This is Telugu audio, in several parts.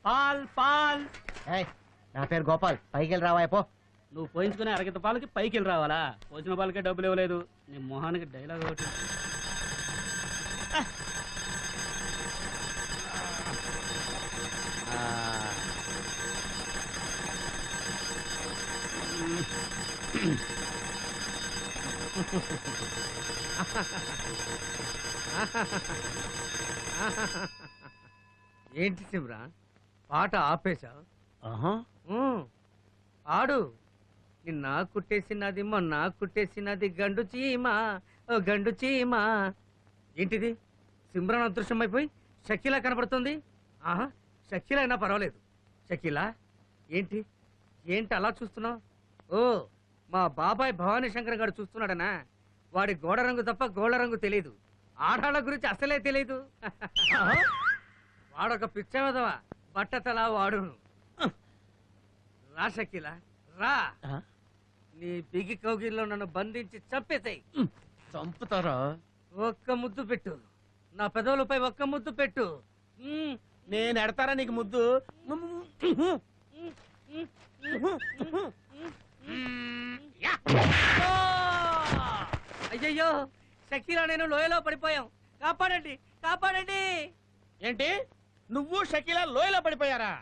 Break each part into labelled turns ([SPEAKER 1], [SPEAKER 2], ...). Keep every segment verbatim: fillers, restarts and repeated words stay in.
[SPEAKER 1] Paul Paul.
[SPEAKER 2] నా పేరు గోపాల్, పైకి వెళ్ళి రావా పో.
[SPEAKER 1] నువ్వు పోయించుకునే అరగత పాలకి పైకి వెళ్ళి రావాలా? పోసిన పాలకే డబ్బులు ఇవ్వలేదు. నీ మొహానికి డైలాగ్ ఒకటి.
[SPEAKER 3] ఏంటి శివరా పాట ఆపేశా? ఆడు నిన్న కుట్టేసినది మొన్న కుట్టేసినది గండు చీమా ఓ గండు చీమా. ఏంటిది సిమ్రాన్ అదృశ్యం అయిపోయి షకీలా కనపడుతుంది. ఆహా షకీలా అయినా పర్వాలేదు. షకీలా ఏంటి ఏంటి అలా చూస్తున్నావు? ఓ మా బాబాయ్ భవానీ శంకర్ గారు చూస్తున్నాడనా? వాడి గోడ రంగు తప్ప గోళ్ళ రంగు తెలియదు. ఆడాళ్ళ గురించి అసలే తెలియదు. వాడొక పిచ్చవదవా బట్టతలా వాడును. రా షకీలా రా, నీ బిగి కౌగిల్లో నన్ను బంధించి చంపేసాయి.
[SPEAKER 2] చంపుతారా?
[SPEAKER 3] ఒక్క ముద్దు పెట్టు, నా పెదవులపై ఒక్క ముద్దు పెట్టు.
[SPEAKER 2] నేను ఎడతారా నీకు ముద్దు?
[SPEAKER 3] అయ్యయ్యో షకీలా నేను లోయలో పడిపోయాం, కాపాడండి కాపాడండి.
[SPEAKER 2] ఏంటి నువ్వు షకీలా లోయలో పడిపోయారా?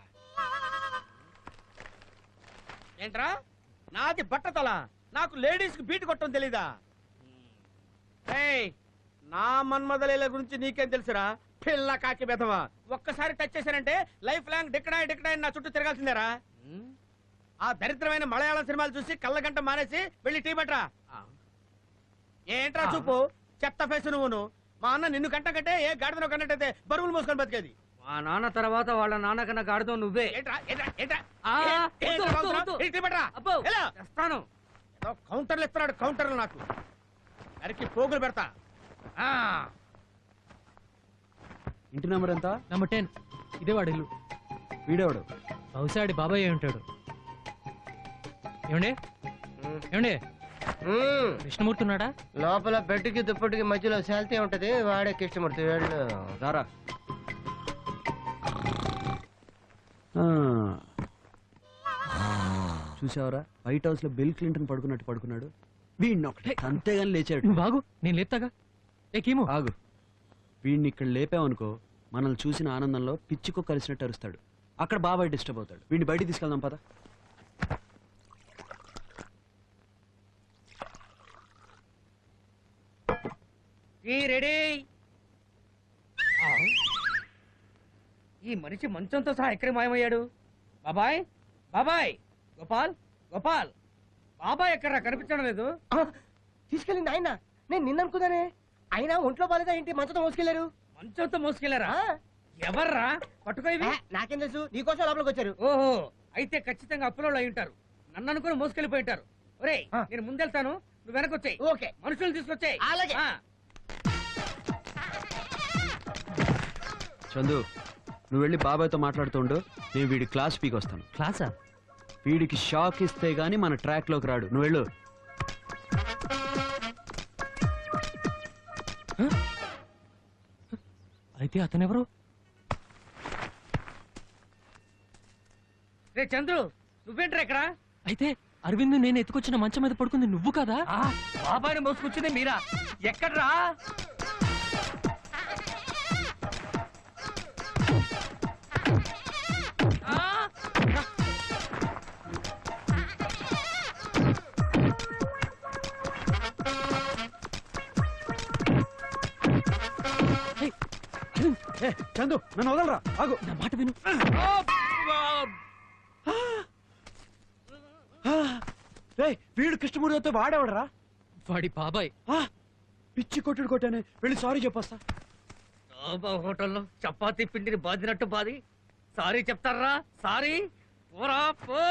[SPEAKER 2] ఏంట్రా నాది బట్టతల, నాకు లేడీస్ కి బీట్ కొట్టడం తెలీదా? నా మన్మదలీల గురించి నీకేం తెలుసురా పిల్ల కాకి బెదవా? ఒక్కసారి టచ్ చేశానంటే లైఫ్ లాంగ్ డిక్కడాయి డిక్కడాయి నా చుట్టూ తిరగాల్సిందేరా. ఆ దరిద్రమైన మలయాళం సినిమాలు చూసి కళ్ళగంట మానేసి వెళ్ళి టీ పట్రా. ఏంట్రా చూపు చెత్త ఫేసు నువ్వును. మా అన్న నిన్ను కంట కంటే ఏ గాడిదనో కన్నట్టయితే బరువులు మోసుకొని బతికేది.
[SPEAKER 3] మా నాన్న తర్వాత వాళ్ళ నాన్న కన్నా గాడితో నువ్వే.
[SPEAKER 2] కౌంటర్లు ఇస్తున్నాడు, కౌంటర్లు నాకు అరికి పోగులు పెడతా.
[SPEAKER 4] ఇంటి నెంబర్ ఎంత?
[SPEAKER 5] Number ten. ఇదే వాడు ఇల్లు.
[SPEAKER 4] వీడేవాడు
[SPEAKER 5] బహుశా బాబాయ్ అయి ఉంటాడు. ఏమండి ఏమండి కృష్ణమూర్తి ఉన్నాడా?
[SPEAKER 2] లోపల బెడ్కి దుప్పటికి మధ్యలో శాల్తీ ఉంటది, వాడే కృష్ణమూర్తి.
[SPEAKER 4] రారా. చూసావరా వైట్ హౌస్ లో బిల్ క్లింటన్ పడుకున్నట్టు పడుకున్నాడు. వీడిని ఒకటే అంతేగాని లేచాడు.
[SPEAKER 5] నువ్వు బాగు, నేను లేపుతాగా. ఏమో
[SPEAKER 4] ఆగు, వీడిని ఇక్కడ లేపావనుకో మనల్ని చూసిన ఆనందంలో పిచ్చికో కలిసినట్టు అరుస్తాడు. అక్కడ బాబాయ్ డిస్టర్బ్ అవుతాడు. వీడిని బయటికి తీసుకెళ్దాం పద.
[SPEAKER 3] రెడీ. ఈ మనిషి మంచంతో సహా ఎక్కడికి మాయమయ్యాడు? బాబాయ్ బాబాయ్ గోపాల్ గోపాల్ బాబాయ్ ఎక్కడా కనిపించడం లేదు.
[SPEAKER 2] తీసుకెళ్ళింది ఆయన, నేను నిన్న అనుకున్నానే. అయినా ఒంట్లో బాలేదా ఏంటి మంచంతో మోసుకెళ్లారు?
[SPEAKER 3] మంచంతో మోసుకెళ్లారా? ఎవర్రా పట్టుకోవి?
[SPEAKER 2] నాకేం తెలుసు, నీకోసం లోపలికి వచ్చారు.
[SPEAKER 3] ఓహో, అయితే ఖచ్చితంగా అప్పులో అయి ఉంటారు. నన్ను అనుకుని మోసుకెళ్ళిపోయి ఉంటారు. ఒరే నేను ముందెళ్తాను, నువ్వు వెనకొచ్చాయి.
[SPEAKER 2] ఓకే,
[SPEAKER 3] మనుషులు తీసుకొచ్చాయి.
[SPEAKER 2] అలాగే.
[SPEAKER 4] చందు నువ్వు వెళ్ళి బాబాయ్తో మాట్లాడుతుండు, నేను వీడి క్లాస్ పీకి వస్తాను.
[SPEAKER 5] క్లాసా?
[SPEAKER 4] వీడికి షాక్ ఇస్తే గానీ మన ట్రాక్ లోకి రాడు. నువ్వు వెళ్ళు.
[SPEAKER 5] అయితే అతనెవరు?
[SPEAKER 3] రే చంద్రు, నువ్వేంట్రా ఇక్కడ?
[SPEAKER 5] అయితే అరవింద్ నేను ఎత్తుకొచ్చిన మంచం మీద పడుకుంది నువ్వు కదా?
[SPEAKER 3] బాబాయ్ని మోసుకొచ్చింది మీరా? ఎక్కడ్రా?
[SPEAKER 4] చందు నన్ను వదలరా, ఆగు.
[SPEAKER 5] నా మాట విను.
[SPEAKER 4] వీడు కృష్ణమూర్తితో వాడేవాడరా?
[SPEAKER 5] వాడి బాబాయ్.
[SPEAKER 4] పిచ్చి కొట్టుడు కొట్టానే, వెళ్ళి సారీ చెప్పొస్తా.
[SPEAKER 3] హోటల్లో చపాతీ పిండిని బాదినట్టు బాది సారీ చెప్తారా? సారీ పోరా పో.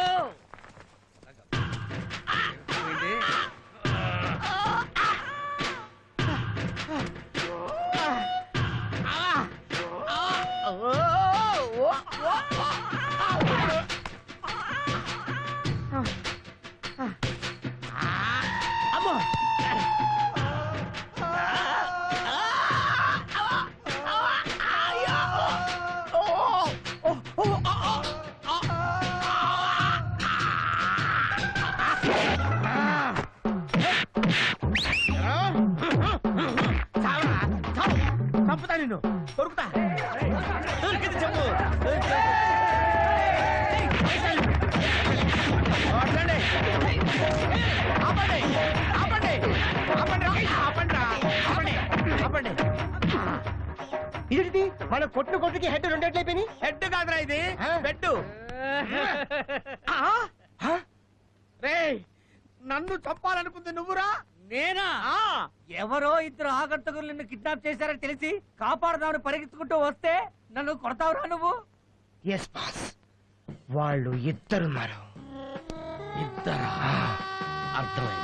[SPEAKER 6] మన కొట్టిన కొట్టుకి హెడ్ రెండేట్లయిపోయి
[SPEAKER 2] హెడ్ కాదురా ఇది బెడ్. రే నన్ను చంపాలనుకుంది నువ్వురా?
[SPEAKER 3] నేనా?
[SPEAKER 2] ఆ,
[SPEAKER 3] ఎవరో ఇద్దరు ఆగంతకులు నిన్ను కిడ్నాప్ చేశారని తెలిసి కాపాడదామని పరిగెత్తుకుంటూ వస్తే నన్ను కొడతావురా నువ్వు?
[SPEAKER 6] ఎస్ బాస్, వాళ్ళు ఇద్దరున్నారు.
[SPEAKER 2] ఇద్దరా? అర్థమైంది.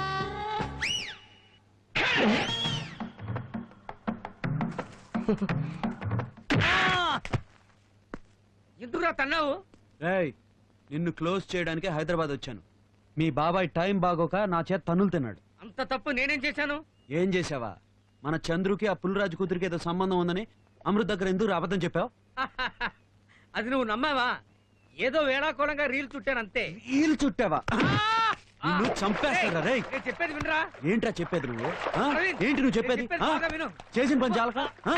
[SPEAKER 3] ఎందుకురా తన్నావు?
[SPEAKER 4] రేయ్ నిన్ను క్లోజ్ చేయడానికి హైదరాబాద్ వచ్చాను. మీ బాబాయ్ టైం బాగోక నా చేత తన్నులు తిన్నాడు.
[SPEAKER 3] అంత తప్పు నేనేం చేశాను?
[SPEAKER 4] ఏం చేసావా? మన చంద్రుకి ఆ పుల్లరాజు కూతురికి ఏదో సంబంధం ఉందని అమృత్ దగ్గర ఎందుకు అబద్ధం చెప్పావు?
[SPEAKER 3] అది నువ్వు నమ్మావా? ఏదో వేళాకోళంగా రీల్ చుట్టాను అంతే.
[SPEAKER 4] ఈలు చుట్టావా? నిన్ను చంపేస్తారా రేయ్?
[SPEAKER 3] నేను చెప్పేది వినరా?
[SPEAKER 4] ఏంట్రా చెప్పేది నువ్వు? ఆ?
[SPEAKER 3] అరవింద్,
[SPEAKER 4] ఏంటి నువ్వు చెప్పేది?
[SPEAKER 3] నేను చెప్పేది
[SPEAKER 4] ఆ?
[SPEAKER 3] బాగా విను.
[SPEAKER 4] చేసిన పని చాలక? ఆ?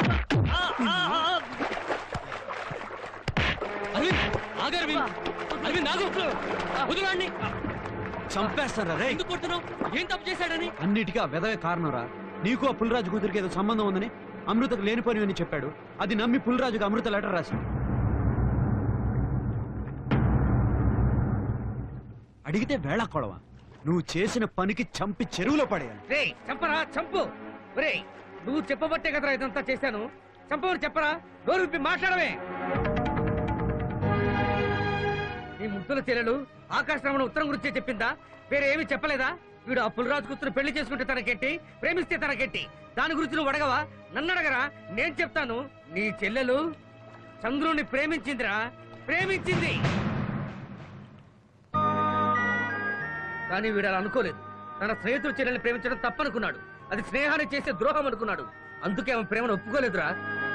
[SPEAKER 5] అరవింద్ ఆగు అరవింద్. అరవింద్ ఆగు. వదలండి.
[SPEAKER 4] చంపేస్తారా రేయ్?
[SPEAKER 5] ఎందుకు కొడుతున్నావు? ఏం తప్పు చేశాడని?
[SPEAKER 4] అన్నిటికీ ఆ వెదవే కారణంరా. నీకు ఆ పుల్లరాజు కూతురికి ఏదో సంబంధం ఉందని అమృతకు లేనిపోనివని చెప్పాడు. అది నమ్మి పుల్లరాజుకు అమృత లెటర్ రాశాడు. అడిగితే వేళ కొడవా? నువ్వు చేసిన పనికి చంపి చెరువులో పడేయాలి.
[SPEAKER 3] రే చంపరా, చంపు. రే నువ్వు చెప్పబట్టే కదరా ఇదంతా చేశాను. చంపవని చెప్పరా? నోరు విప్పి మాట్లాడవే. నీ ముద్దుల చెల్లెలు ఆకాశరామణ ఉత్తరం గురించే చెప్పిందా? వేరే ఏమీ చెప్పలేదా? వీడు ఆ పుల్లరాజు కూతురు పెళ్లి చేసుకుంటే తనకెట్టి, ప్రేమిస్తే తనకెట్టి. దాని గురించి నువ్వు అడగవా? నన్ను అడగరా? నేను చెప్తాను. నీ చెల్లెలు చంద్రుని ప్రేమించిందిరా, ప్రేమించింది. కానీ వీడు అలా అనుకోలేదు. తన స్నేహితుడు చెల్లెల్ని ప్రేమించడం తప్పనుకున్నాడు. అది స్నేహాన్ని చేసే ద్రోహం అనుకున్నాడు. అందుకే ఆమె ప్రేమను ఒప్పుకోలేదురా.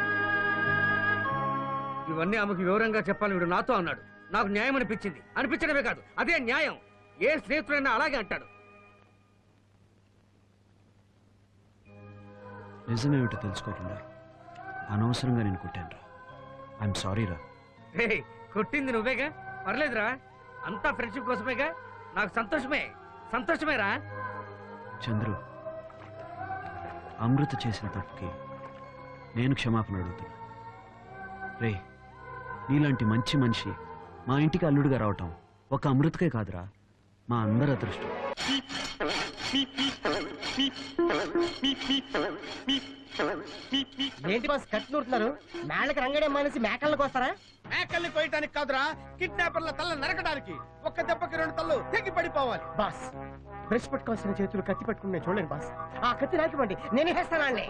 [SPEAKER 3] ఇవన్నీ ఆమెకు వివరంగా చెప్పాలని వీడు నాతో అన్నాడు. నాకు న్యాయం అనిపించింది. అనిపించడమే కాదు, అదే న్యాయం. ఏ స్నేహితుడైనా అలాగే అంటాడు.
[SPEAKER 4] నిజమేమిటో తెలుసుకోకుండా అనవసరంగా నేను కొట్టాను రా. ఐఎమ్ సారీ రా.
[SPEAKER 3] రే కొట్టింది నువ్వేగా, పర్లేదురా. అంతా ఫ్రెండ్షిప్ కోసమేగా. నాకు సంతోషమే, సంతోషమేరా.
[SPEAKER 4] చంద్రు, అమృత చేసిన తప్పుకి నేను క్షమాపణ అడుగుతున్నా. రే నీలాంటి మంచి మనిషి మా ఇంటికి అల్లుడిగా రావటం ఒక అమృతకే కాదురా, మా అందరి అదృష్టం.
[SPEAKER 6] ఏంటి బాస్ కట్ నూరుతున్నారు? మేళ్ళకి రంగడే మానేసి మేకల్లోకి వస్తారా?
[SPEAKER 2] మేకల్ని కోయటానికి కాదురా, కిడ్నాపర్ల తల్ల నరకడానికి. ఒక్క దెబ్బకి రెండు తల్లు తెగి పడిపోవాలి.
[SPEAKER 6] బాస్ బ్రష్ పట్టుకోవాల్సిన చేతులు కత్తి పట్టుకుని నేను చూడలేను బాస్. ఆ కత్తి నాకివ్వండి, నేనే వేస్తానండి.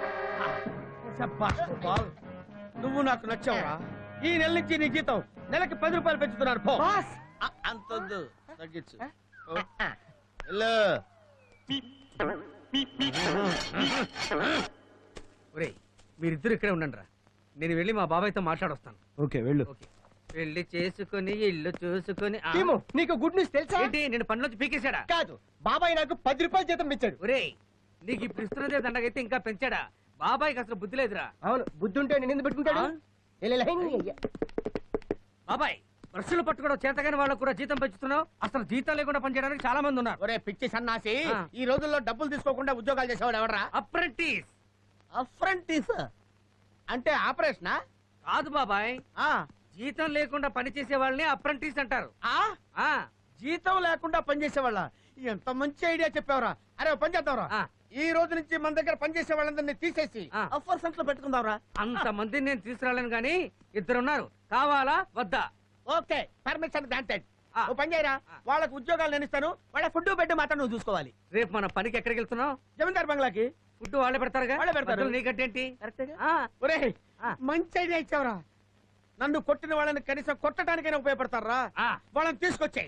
[SPEAKER 2] నువ్వు నాకు నచ్చావురా. ఈ నెల నుంచి నీ జీతం నెలకి పది రూపాయలు పెంచుతున్నారు. పో.
[SPEAKER 6] బాస్
[SPEAKER 2] ఆ, అంతొద్దు, తగ్గించు. ఓ. వెళ్ళు.
[SPEAKER 3] ఒరేయ్ మీరిద్దరు ఇక్కడే ఉండండి రా. నేను వెళ్ళి మా బాబాయ్తో మాట్లాడొస్తాను.
[SPEAKER 4] ఓకే వెళ్ళు.
[SPEAKER 3] ఓకే. పెళ్లి చేసుకుని ఇల్లు చూసుకుని ఆ-
[SPEAKER 6] టీము, నీకు గుడ్ న్యూస్ తెలుసా?
[SPEAKER 3] ఏంటి నేను పనిలోంచి పీకేశాడా?
[SPEAKER 6] కాదు, బాబాయ్ నాకు పది రూపాయలు జీతం ఇచ్చాడు.
[SPEAKER 3] ఒరేయ్ నీకు ఇప్పుడు ఇస్తున్నదే దండగైతే ఇంకా పెంచాడా? బాబాయ్కి అసలు బుద్ధి లేదురా.
[SPEAKER 6] అవును, బుద్ధి ఉంటే నేను ఎందుకు పెట్టుకుంటాడు?
[SPEAKER 3] ఆ?
[SPEAKER 6] లే, లే, లే.
[SPEAKER 3] బాబాయ్ బ్రష్లు పట్టుకోవడం చేతగాని వాళ్ళకు కూడా జీతం పెంచుతున్నావు. అసలు జీతం లేకుండా పనిచేయడానికి చాలా మంది ఉన్నారు.
[SPEAKER 2] ఒరే పిచ్చి సన్నాసి,
[SPEAKER 3] ఆ.
[SPEAKER 2] ఈ రోజుల్లో డబ్బులు తీసుకోకుండా ఉద్యోగాలు చేసేవాడు ఎవడరా?
[SPEAKER 3] అప్రెంటిస్
[SPEAKER 2] అప్రెంటిస్ అంటే ఆపరేషనా?
[SPEAKER 3] కాదు బాబాయ్,
[SPEAKER 2] ఆ
[SPEAKER 3] జీతం లేకుండా పనిచేసే వాళ్ళని అప్రెంటిస్ అంటారు.
[SPEAKER 2] ఆ
[SPEAKER 3] ఆ
[SPEAKER 2] జీతం లేకుండా పనిచేసేవాళ్ళ? ఎంత మంచి ఐడియా చెప్పావురా. అరే ఓ పని చేద్దాంరా.
[SPEAKER 3] ఆ.
[SPEAKER 2] ఈ రోజు నుంచి మన దగ్గర పనిచేసే వాళ్ళందరినీ తీసేసి
[SPEAKER 3] ఆ.
[SPEAKER 2] అఫర్ సెంటర్ లో పెట్టుకుందాంరా.
[SPEAKER 3] అంత మందిని నేను తీసుకురాలేను గాని ఇద్దరున్నారు. కావాలా వద్దా?
[SPEAKER 2] Okay, permission granted.
[SPEAKER 3] ఆ.
[SPEAKER 2] ఓ పని చేయరా,
[SPEAKER 3] ఆ.
[SPEAKER 2] వాళ్ళకు ఉద్యోగాలు నేను ఇస్తాను. వాళ్ళ ఫుడ్ బెడ్ మాత్రం నువ్వు చూసుకోవాలి.
[SPEAKER 3] రేపు మన పనికి ఎక్కడికి వెళ్తున్నావు?
[SPEAKER 2] జమీందార్ బంగ్లాకి.
[SPEAKER 3] ఫుడ్ వాళ్ళే పెడతారుగా?
[SPEAKER 2] వాళ్ళే పెడతారు.
[SPEAKER 3] మధ్యలో నీకంటేంటి?
[SPEAKER 2] కరెక్టేగా?
[SPEAKER 3] ఆ,
[SPEAKER 2] ఒరే
[SPEAKER 3] ఆ.
[SPEAKER 2] మంచి ఐడియా ఇచ్చావురా. నన్ను కొట్టిన వాళ్ళని కనీసం కొట్టడానికైనా ఉపయోగపడతారా?
[SPEAKER 3] ఆ.
[SPEAKER 2] వాళ్ళని తీసుకొచ్చాయి.